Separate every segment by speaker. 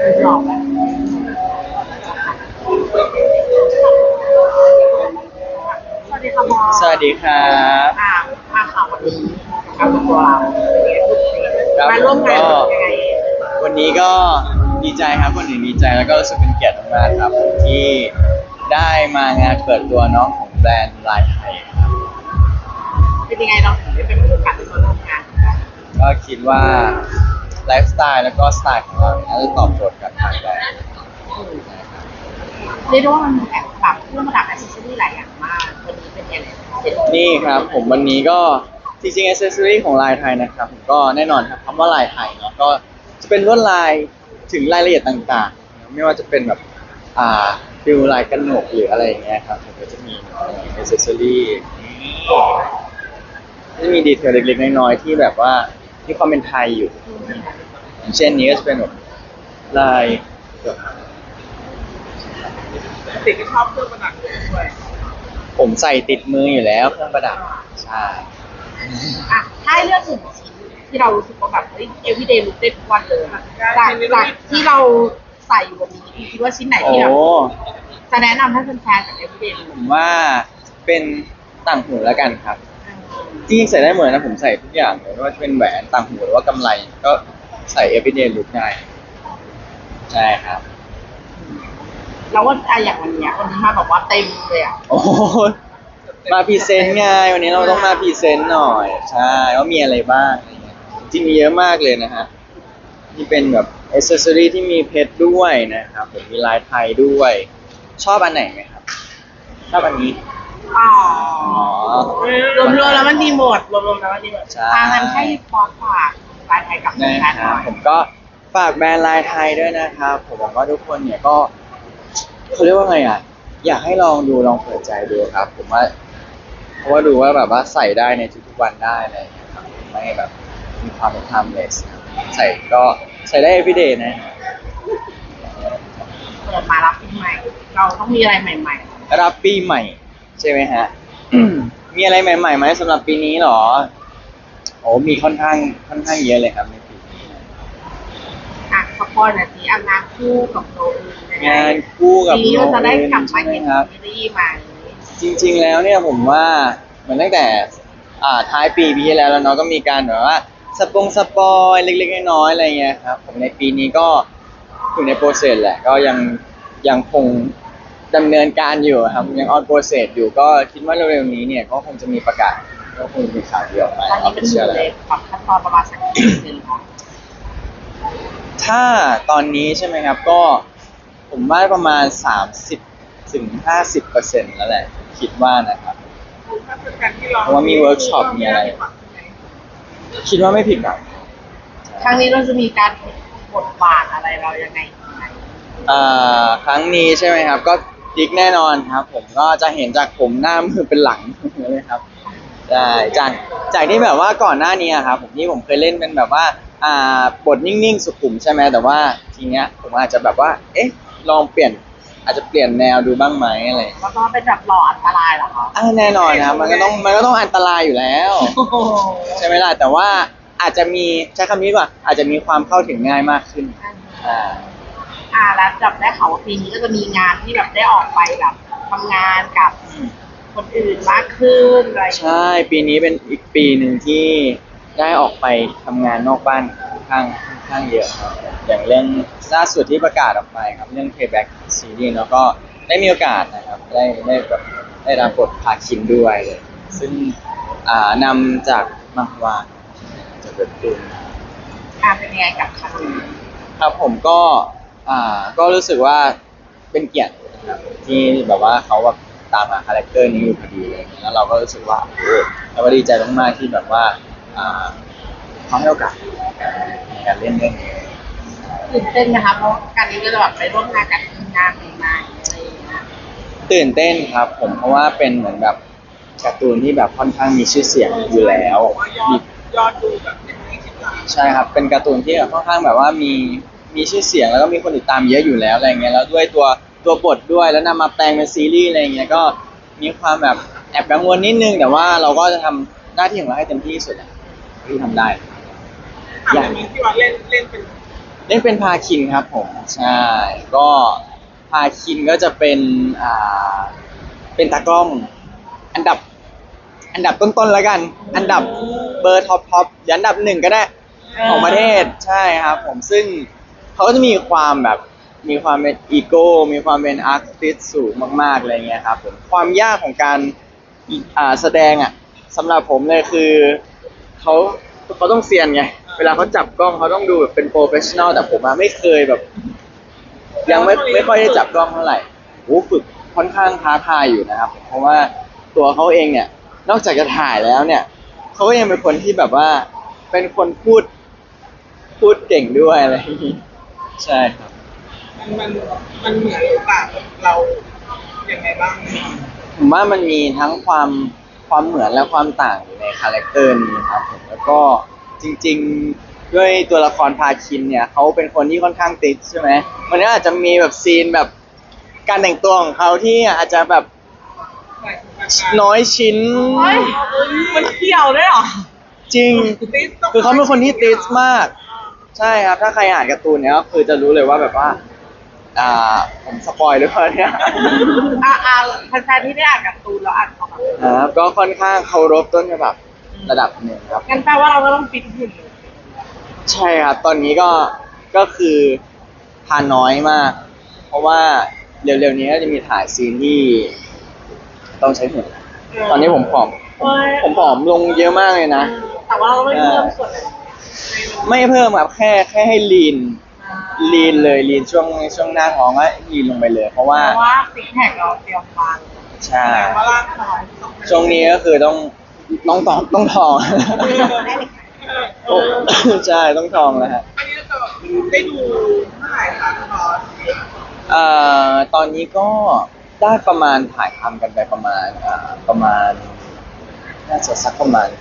Speaker 1: หลอกแล้วสวัสดีค่ะบอส
Speaker 2: สวัสดีครับ
Speaker 1: มาข่าววันนี้กับตัวเรา
Speaker 2: ครับ
Speaker 1: มาร่วมงานยังไง
Speaker 2: วันนี้ก็ดีใจครับคนอื่นดีใจแล้วก็รู้สึกเป็นเกียรติมากๆครับที่ได้มางานเปิดตัวน้องของแบรนด์ลายไทยครับ
Speaker 1: เป็นยังไงเราถึงได้เป็นโอกาสที่มาร่วมงานกัน
Speaker 2: ก็คิดว่าไลฟ์สไตล์แล้วก็สไตล์ของเราเนี่ยน่าจะตอบโจทย์กับทางแบรนด์
Speaker 1: เรียกได้ว่ามันแอบแบบเครื่องประดับแอคเซสซอรี่หลายอย่างมากวันนี้เป็นยังไง
Speaker 2: นี่ครับผมวันนี้ก็จริงๆ accessory ของลายไทยนะครับผมก็แน่นอนครับคำว่าลายไทยเนาะก็จะเป็นลวดลายถึงรายละเอียดต่างๆไม่ว่าจะเป็นแบบฟิลลายกระหนกหรืออะไรอย่างเงี้ยครับผมก็จะมี accessory จะมีดีเทลเล็กๆน้อยๆที่แบบว่ามีความเป็นไทยอยู่อย่างเช่นนี้ก็จะเป็นแบบลาย
Speaker 1: ติดที่ชอบเครื่องประดับด้วย
Speaker 2: ผมใส่ติดมืออยู่แล้วเครื่องประดับใช่
Speaker 1: ถ้าให้เลือกหนึ่งชิ้นที่เรารู้สึกว่าแบบeveryday look ได้ทุกวันเลยจากที่เราใส่อยู่วันนี้คิดว่าชิ้นไหนที่แบบจะแนะนำให้แฟนๆกับ everyday
Speaker 2: ผมว่าเป็นต่างหูแล้วกันครับจริงๆใส่ได้หมดนะผมใส่ทุกอย่างเลยไม่ว่าจะเป็นแหวนต่างหูหรือว่ากำไรก็ใส่ everyday look ได้ใช่ครับ
Speaker 1: แล้วว่าอย่างวันนี้มาแบบว่าเต็มเลย
Speaker 2: โอ้มาพรีเซนต์ไงวันนี้เราต้องมาพรีเซนต์หน่อยใช่ว่ามีอะไรบ้างอะไรเงี้ยจริงมีเยอะมากเลยนะฮะนี่เป็นแบบอ c เซสซอรี่ที่มีเพชรด้วยนะครับผมมีลายไทยด้วยชอบอันไหนไหมครับชอบอันนี้
Speaker 1: อ๋อรวมๆแล้วมันดีหมดรวมๆแล้วมันดีหมดงั้นให้ฟอสฝากลายไทยกับแฟนๆหน่อย
Speaker 2: ผมก็ฝากแบรนด์ลายไทยด้วยนะครับผมหวังว่าทุกคนเนี่ยก็เขาเรียกว่าไงอยากให้ลองดูลองเปิดใจดูครับผมว่าเพราะว่าดูว่าแบบว่าใส่ได้ในทุกๆวันได้อะไรอย่างเงี้ยครับไม่แบบมีความเป็น timeless ใส่ก็ใส่ได้ everyday นะ
Speaker 1: เปิดมารับปีใหม่เราต้องมีอะไรใหม่
Speaker 2: ๆรับปีใหม่ใช่ไหมฮะ มีอะไรใหม่ๆไหมสำหรับปีนี้หรอโอ้มีค่อนข้างเยอะเลยครับในปีนี้
Speaker 1: สปอยหน่อยสิงานคู่กับโนอื่น
Speaker 2: งานคู่กับ
Speaker 1: ปีนี้เราจะได้กลับมาเห็นซีรีส์ใหม่
Speaker 2: จริงๆแล้วเนี่ยผมว่าเหมือนตั้งแต่ท้ายปีที่แล้วเนาะก็มีการแบบว่าสปอยเล็กๆน้อยๆอะไรเงี้ยครับผมในปีนี้ก็อยู่ในโปรเซสแหละก็ยังคงดำเนินการอยู่ครับยังออนโปรเซสอยู่ก็คิดว่าเร็วๆนี้เนี่ยก็คงจะมีประกาศก็คงมีข่าวเดียวออกมา
Speaker 1: ตอนนี้เป็นอยู่ในขั้นตอนประมาณสักกี่เดือนคะ
Speaker 2: ถ้าตอนนี้ใช่ไหมครับก็ผมว่าประมาณ30-50%แล้วแหละคิดว่านะครับเพราะว่ามีเวิร์กช็อปมีอะไรคิดว่าไม่ผิดหวัง
Speaker 1: ครั้งนี้เราจะมีการบทบาทอะไรเรายังไง
Speaker 2: ครั้งนี้ใช่ไหมครับก็ดิกแน่นอนครับผมก็จะเห็นจากผมหน้ามือเป็นหลังเลยครับใช่จากที่แบบว่าก่อนหน้านี้ครับผมที่ผมเคยเล่นเป็นแบบว่าบทนิ่งๆสุขุมใช่ไหมแต่ว่าทีเนี้ยผมอาจจะแบบว่าลองเปลี่ยนอาจจะเปลี่ยนแนวดูบ้างไหมอะไร
Speaker 1: แล้วก็เป็นแบบหล่ออันตรายเหรอคะ
Speaker 2: แน่นอนครับมันก็ต้องอันตรายอยู่แล้วใช่ไหมล่ะแต่ว่าอาจจะมีใช้คำนี้ก่อนอาจจะมีความเข้าถึงง่ายมากขึ้น
Speaker 1: แล้วจับได้ข่าวว่าปีนี้ก็จะมีงานที่แบบได้ออกไปแบบทำงานกับคนอื่นมากขึ้นอะไร
Speaker 2: ใช่ปีนี้เป็นอีกปีหนึ่งที่ได้ออกไปทำงานนอกบ้านค่อนข้างเยอะครับอย่างเรื่องล่าสุดที่ประกาศออกไปครับเรื่อง Payback Series แล้วก็ได้มีโอกาสนะครับได้แบบได้รับบทพาคินด้วยเลยซึ่งนำจากมังฮวาจะเกิดขึ้น
Speaker 1: เป็นยังไงกับครั้งนี้
Speaker 2: ครับผมก็รู้สึกว่าเป็นเกียรตินะครับที่แบบว่าเขาแบบตามหาคาแรคเตอร์นี้อยู่พอดีเลยแล้วเราก็รู้สึกว่าเราก็ดีใจมากๆที่แบบว่าเขาให้โอกาสในการเล่นเรื่องนี้
Speaker 1: ตื่นเต้นนะคะเพราะการนี้ก็จะแบบไปร่วมงานกับทีมงานใหม่ๆอะไรอย่างเงี้ย
Speaker 2: ตื่นเต้นครับผมเพราะว่าเป็นเหมือนแบบการ์ตูนที่แบบค่อนข้างมีชื่อเสียงอยู่แล้ว
Speaker 1: ยอดดูแบบ20 ล้าน
Speaker 2: ใช่ครับเป็นการ์ตูนที่ค่อนข้างแบบว่ามีชื่อเสียงแล้วก็มีคนติดตามเยอะอยู่แล้วอะไรเงี้ยแล้วด้วยตัวบทด้วยแล้วนำมาแปลงเป็นซีรีส์อะไรเงี้ยก็มีความแบบแอบกังวลนิดนึงแต่ว่าเราก็จะทำหน้าที่ของเราให้เต็มที่ที่สุดที่ทำได้
Speaker 1: อย่างนี้ที่ว่าเล่นเป็น
Speaker 2: เล่นเป็นพาคินครับผมใช่ก็พาคินก็จะเป็นเป็นตากล้องอันดับต้นๆแล้วกันอันดับเบอร์ท็อปยันอันดับหนึ่งก็ได้ของประเทศใช่ครับผมซึ่งเขาก็จะมีความแบบมีความเป็นอีโก้มีความเป็นอาร์ติสสูงมากๆอะไรเงี้ยครับผมความยากของการแสดงอ่ะสำหรับผมเลยคือเขาต้องเซียนไงเวลาเขาจับกล้องเขาต้องดูแบบเป็นโปรเฟชชั่นอลแต่ผมอะไม่เคยแบบ ยังไม่ค่อยได้จับกล้องเท่าไหร่โอ้ฝึกค่อนข้างท้าทายอยู่นะครับเพราะว่าตัวเขาเองเนี่ยนอกจากจะถ่ายแล้วเนี่ยเขาก็ยังเป็นคนที่แบบว่าเป็นคนพูดเก่งด้วยอะไรอย่างนี้ใช่ครับ
Speaker 3: มันเหมือนหรือเปล่าเราอย่างไงบ้าง
Speaker 2: ผมว่ามันมีทั้งความเหมือนและความต่างอยู่ในคาแรคเตอร์นี้ครับผมแล้วก็จริงๆด้วยตัวละครพาคินเนี่ยเขาเป็นคนที่ค่อนข้างติดใช่ไหมมันก็อาจจะมีแบบซีนแบบการแต่งตัวของเขาที่อาจจะแบบน้อยชิ้น
Speaker 1: เฮ้ยมันเกี่ยวด้วยเหรอ
Speaker 2: จริง คือเขาเป็นคนที่ติดมาก ใช่ครับถ้าใครอ่านการ์ตูนเนี่ยก็คือจะรู้เลยว่าแบบว่าผมสปอยหรือเปล่าเนี่ย
Speaker 1: แฟนๆที่ได้อ่านการ์ตูนแล้วอ่านเขาแบบ
Speaker 2: ครับก็ค่อนข้างเคารพต้นฉบับระดับหนึ่งครับ
Speaker 1: งั้นแปลว่าเราก็ต้องฟิตหุ่นเลย
Speaker 2: ใช่ครับ ตอนนี้ก็คือทานน้อยมาก เพราะว่าเร็วๆนี้ก็จะมีถ่ายซีนที่ต้องใช้หุ่นตอนนี้ผมผอมลงเยอะมากเลยนะ
Speaker 1: แต่ว่าเราไม่เพิ่มส่วนไหน
Speaker 2: ไม่เพิ่มครับแค่ให้ลีนเลยลีนช่วงหน้าท้องก็ลีนลงไปเลย เพราะว่า
Speaker 1: เพราะว่าซิกแพคเราเตรียมมา
Speaker 2: ใช่
Speaker 3: แต่ว่าร่างกาย
Speaker 2: ช่วงนี้ก็คือต้องทอง ใช่ต้องทองแล้วฮะ
Speaker 3: อันนี้เราได้ดูเมื่อไหร่คะตอน
Speaker 2: ตอนนี้ก็ได้ประมาณถ่ายทำกันไปประมาณน่าจะสักประมาณ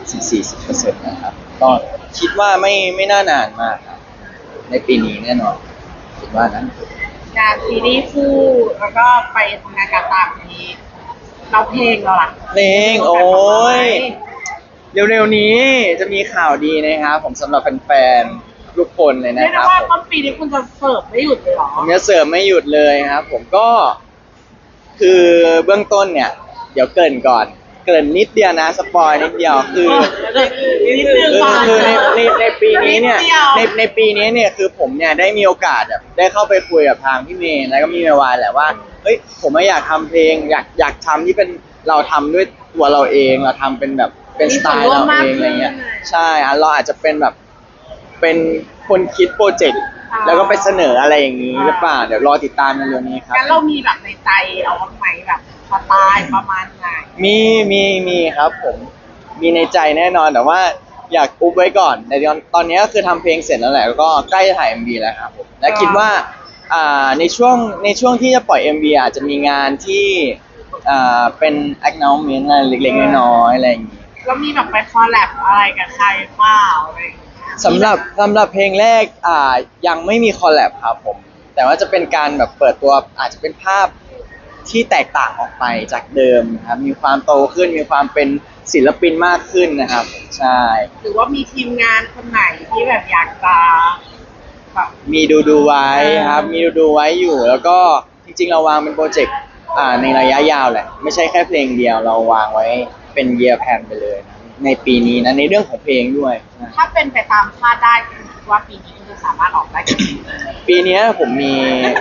Speaker 2: 30-40%นะครับก็คิดว่าไม่น่านานมากครับในปีนี้แน่นอนคิดว่านั้น
Speaker 1: งานซีรีส์คู่แล้วก็ไปทำงานการต่างประเทศเราเพลงเราล่ะ
Speaker 2: เพลงโอ้ยเร็วๆนี้จะมีข่าวดีนะครับผมสำหรับแฟนๆทุกคนเลย
Speaker 1: เรีย
Speaker 2: นะ
Speaker 1: ก
Speaker 2: ค
Speaker 1: ได้
Speaker 2: รับ
Speaker 1: ว่า
Speaker 2: ผม
Speaker 1: ต้นปีนี้คุณจะเสิร์ฟไม่หยุดเลยเหรอ
Speaker 2: ผมจะเสริมไม่หยุดเลยครับผมก็คือเบื้องต้นเนี่ยเดี๋ยวเกริ่นก่อนเกริ่นนิดเดียวนะสปอยนิดเดียวคือ
Speaker 1: นิดนึงก่อน
Speaker 2: คือในปีนี้เนี่ยในปีนี้เนี่ยคือผมเนี่ยได้มีโอกาสแบบได้เข้าไปคุยกับทางพี่เมย์แล้วก็มีเมวายแหละว่าเฮ้ยผมอยากทำเพลงอยากทำที่เป็นเราทำด้วยตัวเราเองเราทำเป็นแบบเป็นสไตล์เราเองอะไรเงี้ยใช่เราอาจจะเป็นแบบเป็นคนคิดโปรเจกต์แล้วก็ไปเสนออะไรอย่างนี้หรือเปล่าเดี๋ยวรอติดตามในเร็วนี้ครับ
Speaker 1: งั้นเรามีแบบในใจเราบ้างไหมแบบสไตล์ประมาณไหน
Speaker 2: มีครับผมมีในใจแน่นอนแต่ว่าอยากอุบไว้ก่อนในตอนนี้ก็คือทำเพลงเสร็จแล้วแหละแล้วก็ใกล้จะถ่าย MV แล้วครับผมและคิดว่าในช่วงที่จะปล่อย MV อาจจะมีงานที่เป็น acknowledgement อะไรเล็กๆน้อยๆอะไรอย่างนี้
Speaker 1: แล้วมีแบบไปคอลแลบอะไรกับใครเปล่าอะไรอย่างเงี้ย
Speaker 2: สำหรับเพลงแรกยังไม่มีคอลแลบครับผมแต่ว่าจะเป็นการแบบเปิดตัวอาจจะเป็นภาพที่แตกต่างออกไปจากเดิมครับมีความโตขึ้นมีความเป็นศิลปินมากขึ้นนะครับใช่
Speaker 1: หรือว่ามีทีมงานคนไหนที่แบบอยากจะแบบ
Speaker 2: มีดูไว้ครับมีดูไว้อยู่แล้วก็จริงๆเราวางเป็นโปรเจกต์ในระยะยาวแหละไม่ใช่แค่เพลงเดียวเราวางไว้เป็น year plan ไปเลยนะในปีนี้นะในเรื่องของเพลงด้วยนะ
Speaker 1: ถ้าเป็นไปตามคาดได้คุณคิดว่าปีนี้คุณจะสามารถออกได้กี่เพลง
Speaker 2: ปีเนี้ยผมมี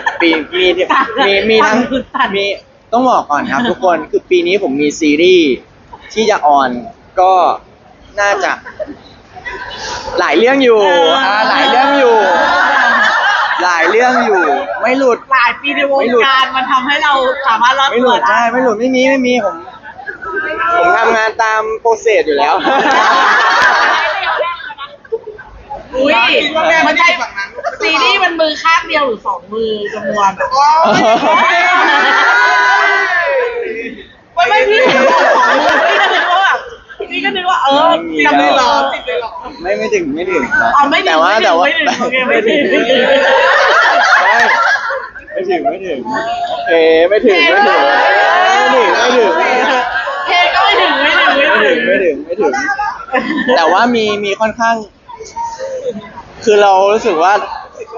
Speaker 2: ทั้งมีต้องบอกก่อนครับทุกคนคือปีนี้ผมมีซีรีส์ที่จะออนก็น่าจะหลายเรื่องอยู่หลายเรื่องอยู่ ไม่หลุด
Speaker 1: หลายปีในวงการมันทำให้เราสามารถรอด
Speaker 2: ไม่หลุด
Speaker 1: ตัว
Speaker 2: ใช่ไม่หลุดไม่มีผมทำงานตามโปรเซสอยู่แล้ว
Speaker 1: อุ้ยมันใช่ซีรีส์มันมือข้างเดียวหรือสองมือจำนวนแบบไม่พี่เห็นบอกสองมือพี่ก็นึกว่าจำเลยหรอติดเลยหรอ
Speaker 2: ไม่ถึงครับ
Speaker 1: อ๋อไม่ถึง
Speaker 2: แต่ว่า
Speaker 1: โอเคไม่ถึง
Speaker 2: ไม่ถึงโอเคไม่ถึง
Speaker 1: เคก็ไม่ถึง
Speaker 2: แต่ว่ามีค่อนข้าง คือเรารู้สึกว่า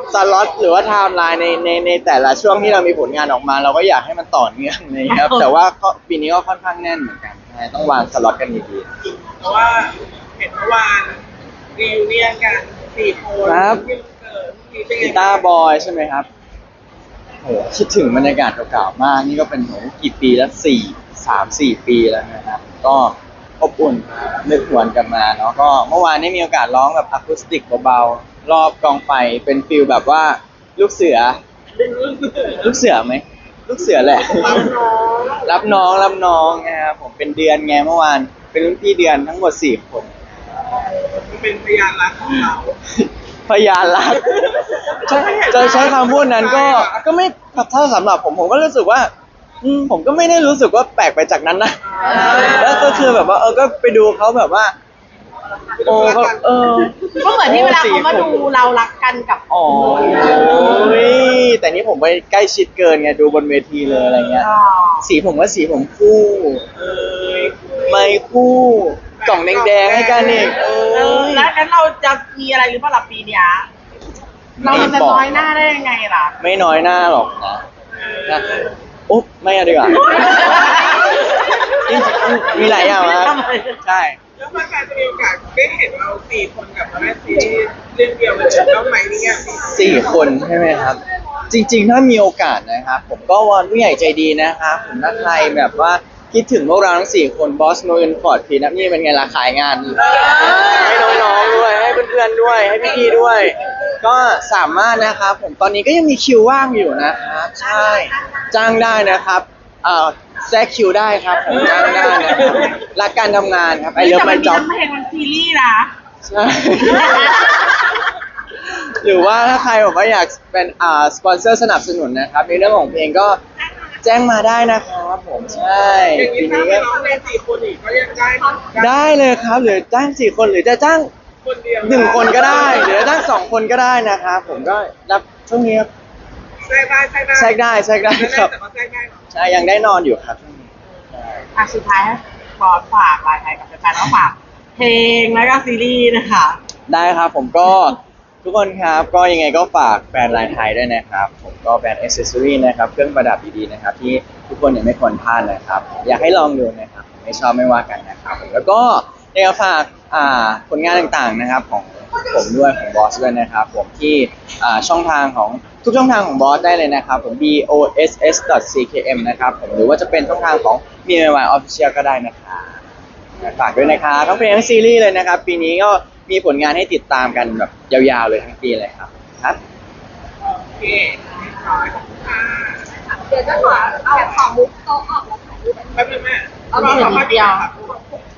Speaker 2: สล็อตหรือว่าไทม์ไลน์ในแต่ละช่วงที่เรามีผลงานออกมา เราก็อยากให้มันต่อเนื่องนะครับ แต่ว่าก็ปีนี้ก็ค่อนข้างแน่นเหมือนกันใช่ต้องวางสล็อตกันดี
Speaker 3: เพราะว่าเห็นเมื่อวานรีวิวเนียนกัน4 คนที่เกิดที่เป็น
Speaker 2: ๆกีตาร์บอยใช่ไหมครับโหคิดถึงบรรยากาศเก่าๆมากนี่ก็เป็นโหกี่ปีแล้ว3-4 ปีแล้วนะครับ ก็อบอุ่นนึกหวนกลันมาเนาะก็เมื่อวานนี้มีโอกาสร้องแบบอะคูสติกเบาๆรอบกองไฟเป็นฟิลแบบว่าลูกเสือ ลูกเสือไหมลูกเสือแหละ
Speaker 3: รับน้อง
Speaker 2: รับน้องนะครับผมเป็นเดือนไงเมื่อวานเป็นรุ่นพี่เดือนทั้งหมด4 คน
Speaker 3: เป็นพยานรักของเรา
Speaker 2: พยานรักจะใช้คำพูดนั้นก็ไม่ถ้าสำหรับผมก็รู้สึกว่าผมก็ไม่ได้รู้สึกว่าแปลกไปจากนั้นนะแล้วก็คือแบบว่าก็ไปดูเขาแบบว่าโอ้เขา
Speaker 1: ก็เหมือนที่เวลาเขามาดูเรารักกันกับ
Speaker 2: อ๋อแต่นี่ผมไปใกล้ชิดเกินไงดูบนเวทีเลยอะไรเงี้ยสีผมว่าสีผมคู่ ไม่คู่กล่องแดงๆให้กันอีก
Speaker 1: แล้วงั้นเราจะมีอะไรหรือเปล่าล่ะปีเนี้ยเราจะน้อยหน้าได้ยังไงล่ะ
Speaker 2: ไม่น้อยหน้าหรอกนะอุ๊บไม่เอาดีกว่าจริงๆมีหลายอย่างนะใช่
Speaker 3: แล้วแฟนๆจะมีโอกาสได้เห็นเรา4 คนกับแม่ซีเรื่องเดียวเลยแล้วไหมเนี่ย
Speaker 2: 4 คนใช่ไหมครับ จริงๆถ้ามีโอกาสนะครับ ผมก็วอนผู้ใหญ่ใจดีนะครับผมถ้าใครแบบว่าคิดถึงพวกเราทั้ง4 คนบอสโนเอ็นฟอร์ดพีนะนี่เป็นไงล่ะขายงานให้น้องๆด้วยให้เพื่อนๆด้วยให้พี่ๆด้วย ก็สามารถนะครับผมตอนนี้ก็ยังมีคิวว่างอยู่นะครับใช่จ้างได้นะครับแทรกคิวได้ครับผมจ้างได้นะครับรักการทำงานครับไอเลิฟไมจ็อบ
Speaker 1: เพลงมันซีรีส์นะ
Speaker 2: ใช่ หรือว่าถ้าใครบอกว่าอยากเป็นสปอนเซอร์สนับสนุนนะครับในเรื่องของเพลงก็แจ้งมาได้นะครับผมใช่
Speaker 3: อย่างนี้
Speaker 2: ที
Speaker 3: ถ้า
Speaker 2: นี้
Speaker 3: ไม่
Speaker 2: ก็
Speaker 3: ร้องใน4 คนอีกก็ยังได้
Speaker 2: ได้เลยครับหรือจ้าง4 คนหรือจะจ้าง
Speaker 3: คนเดียว
Speaker 2: 1 คนก็ได้หรือจะจ้าง2 คนก็ได้นะครับผมก็รับช่วงนี้ครับ
Speaker 3: แทรกได้
Speaker 2: แทรกได้ครับ
Speaker 3: แต่ว่าแทรกได้เหรอ
Speaker 2: ใช่ยังได้นอนอยู่ครับช่วงนี้ใช่
Speaker 1: สุดท้ายให้บอสฝากรายไทยกับแฟนๆว่าฝากเพลงแล้วก็ซีรีส์นะคะ
Speaker 2: ได้ครับผมก็ทุกคนครับก็ยังไงก็ฝากแบรนด์ลายไทยด้วยนะครับผมก็แบรนด์อ c เซสซอรี่นะครับเครื่องประดับดีๆนะครับที่ทุกคนเนี่ยไม่ควรพลาดนะครับอยากให้ลองดูนะครับไม่ชอบไม่ว่ากันนะครับแล้วก็อยากจะฝากผลงานต่างๆนะครับของผมด้วยของบอสด้วยนะครับผมที่ช่องทางของทุกช่องทางของบอสได้เลยนะครับผม boss.ckm นะครับผมหรือว่าจะเป็นช่องทางของ MIY Official ก็ได้นะครับฝากด้วยนะครับทั้งเพลงทั้งซีรีส์เลยนะครับปีนี้ก็มีผลงานให้ติดตามกันแบบยาวๆเลยทั้งปีเลยครับ
Speaker 3: โอเคเรียบร้อยขอบคุณค่ะ
Speaker 4: เดี๋ยวจะขอมุกโต๊ะออกแล้วถ่ายรูป
Speaker 3: แป๊บนึงแม่
Speaker 1: เอาอีกนิดเดียว
Speaker 3: ขอบคุณ